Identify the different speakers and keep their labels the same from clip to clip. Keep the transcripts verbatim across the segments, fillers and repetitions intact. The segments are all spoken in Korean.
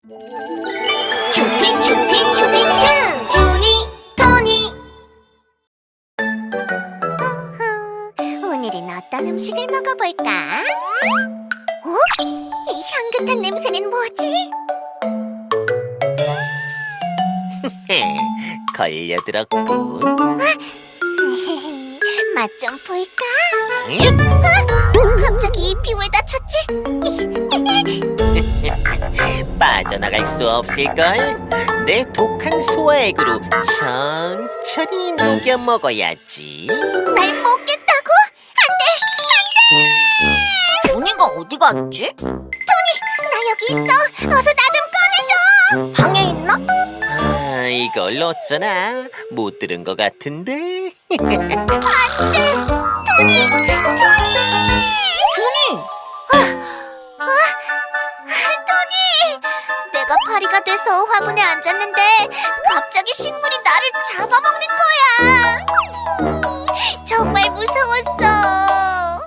Speaker 1: 추핑 추핑 추핑 추 주니 토니. 오늘은 어떤 음식을 먹어볼까? 어? 이 향긋한 냄새는 뭐지?
Speaker 2: 걸려들었군.
Speaker 1: 맛 좀 볼까? 어? 갑자기 입이 왜 다쳤지?
Speaker 2: 빠져나갈 수 없을걸? 내 독한 소화액으로 천천히 녹여 먹어야지.
Speaker 1: 날 먹겠다고? 안돼! 안돼!
Speaker 3: 준이가 어디 갔지?
Speaker 1: 나 여기 있어! 어서 나 좀 꺼내줘!
Speaker 3: 방에 있나?
Speaker 2: 아, 이걸 어쩌나? 못 들은 것 같은데?
Speaker 1: 안돼! 토니! 토니!
Speaker 3: 준이!
Speaker 1: 토니! 내가 파리가 돼서 화분에 앉았는데 갑자기 식물이 나를 잡아먹는 거야! 정말 무서웠어!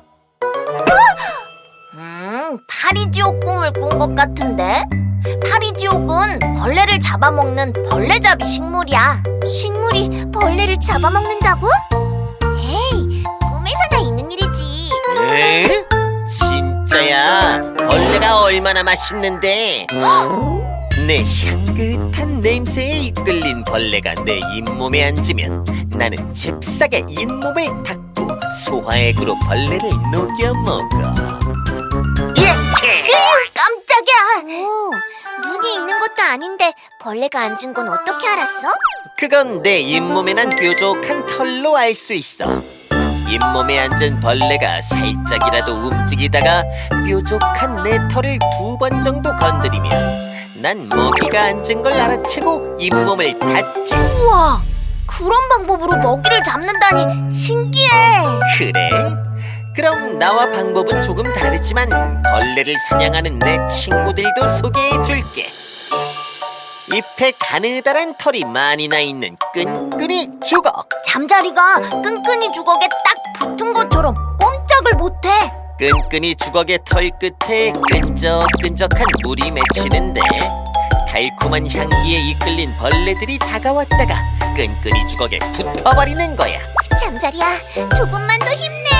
Speaker 3: 음, 파리지옥 꿈을 꾼 것 같은데? 파리지옥은 벌레를 잡아먹는 벌레잡이 식물이야.
Speaker 1: 식물이 벌레를 잡아먹는다고? 에이, 꿈에서나 있는 일이지.
Speaker 2: 에? 진짜야? 벌레가 얼마나 맛있는데? 내 향긋한 냄새에 이끌린 벌레가 내 잇몸에 앉으면 나는 잽싸게 잇몸을 닫고 소화액으로 벌레를 녹여 먹어. 이렇게!
Speaker 1: 깜짝이야! 오, 눈이 있는 것도 아닌데 벌레가 앉은 건 어떻게 알았어?
Speaker 2: 그건 내 잇몸에 난 뾰족한 털로 알 수 있어. 잇몸에 앉은 벌레가 살짝이라도 움직이다가 뾰족한 내 털을 두 번 정도 건드리면 난 먹이가 앉은 걸 알아채고 잇몸을 닫지.
Speaker 3: 우와, 그런 방법으로 먹이를 잡는다니 신기해.
Speaker 2: 그래? 그럼 나와 방법은 조금 다르지만 벌레를 사냥하는 내 친구들도 소개해줄게. 잎에 가느다란 털이 많이 나 있는 끈끈이 주걱.
Speaker 3: 잠자리가 끈끈이 주걱에 딱 붙은 것처럼 꼼짝을 못해.
Speaker 2: 끈끈이 주걱의 털 끝에 끈적끈적한 물이 맺히는데 달콤한 향기에 이끌린 벌레들이 다가왔다가 끈끈이 주걱에 붙어버리는 거야.
Speaker 1: 잠자리야, 조금만 더 힘내.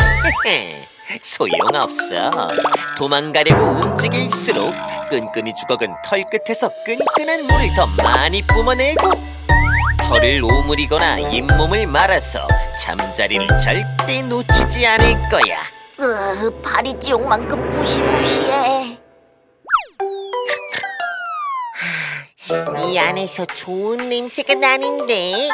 Speaker 2: 소용없어. 도망가려고 움직일수록 끈끈이 주걱은 털 끝에서 끈끈한 물을 더 많이 뿜어내고 털을 오므리거나 잇몸을 말아서 잠자리를 절대 놓치지 않을 거야.
Speaker 3: 으, 파리지옥만큼 무시무시해.
Speaker 2: 이 안에서 좋은 냄새가 나는데.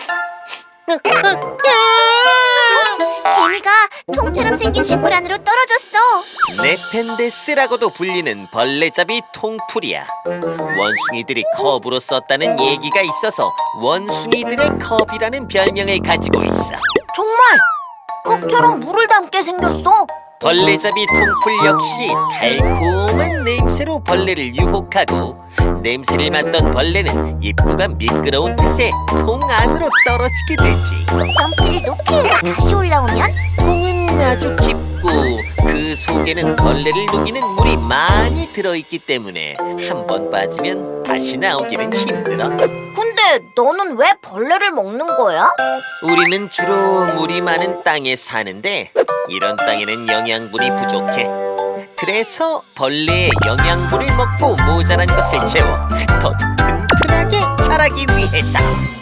Speaker 1: 개미가 통처럼 생긴 식물 안으로 떨어졌어.
Speaker 2: 네펜데스라고도 불리는 벌레잡이 통풀이야. 원숭이들이 컵으로 썼다는 얘기가 있어서 원숭이들의 컵이라는 별명을 가지고 있어.
Speaker 3: 정말 컵처럼 물을 담게 생겼어.
Speaker 2: 벌레잡이 통풀 역시 달콤한 냄새로 벌레를 유혹하고 냄새를 맡던 벌레는 입구가 미끄러운 탓에 통 안으로 떨어지게 되지.
Speaker 1: 점프를 높이 해서 다시 올라오면
Speaker 2: 통은 아주 깊고 그 속에는 벌레를 녹이는 물이 많이 들어있기 때문에 한 번 빠지면 다시 나오기는 힘들어.
Speaker 3: 근데 너는 왜 벌레를 먹는 거야?
Speaker 2: 우리는 주로 물이 많은 땅에 사는데 이런 땅에는 영양분이 부족해. 그래서 벌레의 영양분을 먹고 모자란 것을 채워 더 튼튼하게 자라기 위해서.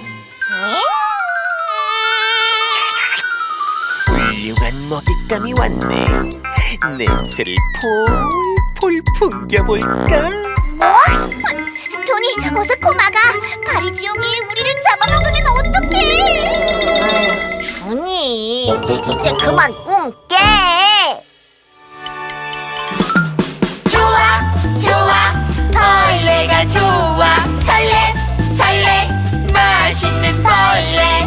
Speaker 2: 훌륭한 먹잇감이 왔네. 냄새를 폴폴 풍겨볼까?
Speaker 1: 뭐? 토니, 어서 코 막아. 파리지옥이 우리를 잡아먹으면 어떡해?
Speaker 3: 준이, 이제 그만 꿈 깨.
Speaker 1: 좋아, 좋아, 벌레가 좋아. 설레, 설레, 맛있는 벌레.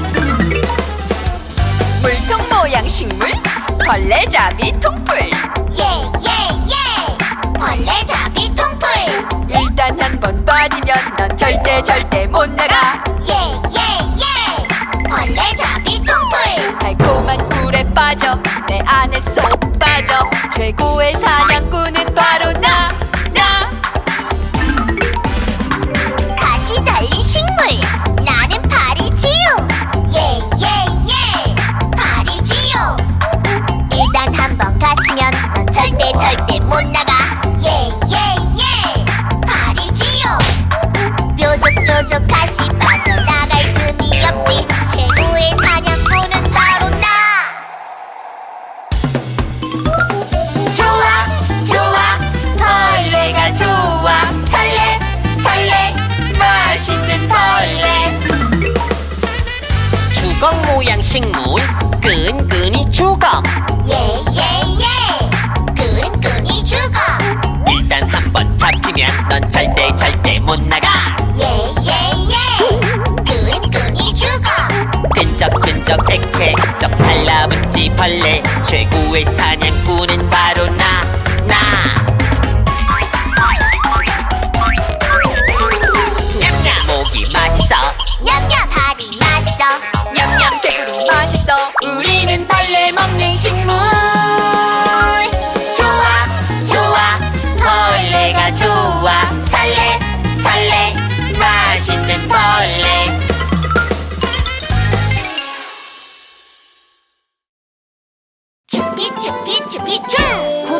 Speaker 4: 물통 모양 식물 벌레잡이 통풀.
Speaker 1: 예, 예, 예. 벌레잡이 통풀.
Speaker 4: 일단 한 번 빠지면 넌 절대 절대 못 나가.
Speaker 1: 예, 예, 예. 벌레잡이 통풀.
Speaker 4: 달콤한 꿀에 빠져 내 안에 쏙 빠져 최고의 사냥꾼은 바로 나, 나.
Speaker 2: 식물 끈끈이 죽어.
Speaker 1: 예예예 끈끈이 죽어.
Speaker 2: 일단 한번 잡히면 넌 절대 절대 못 나가.
Speaker 1: 예예예 끈끈이 죽어.
Speaker 2: 끈적끈적 액체 쩍 달라붙지 벌레. 최고의 사냥꾼은 바로 나 나. 냠냠 모기 맛있어.
Speaker 1: 냠냠 발이 맛있어.
Speaker 4: 냠냠 개구리 맛있어. 우리는 벌레 먹는 식물.
Speaker 2: 좋아 좋아 벌레가 좋아. 살래 살래 맛있는 벌레.
Speaker 1: 추피 추피 추피 추.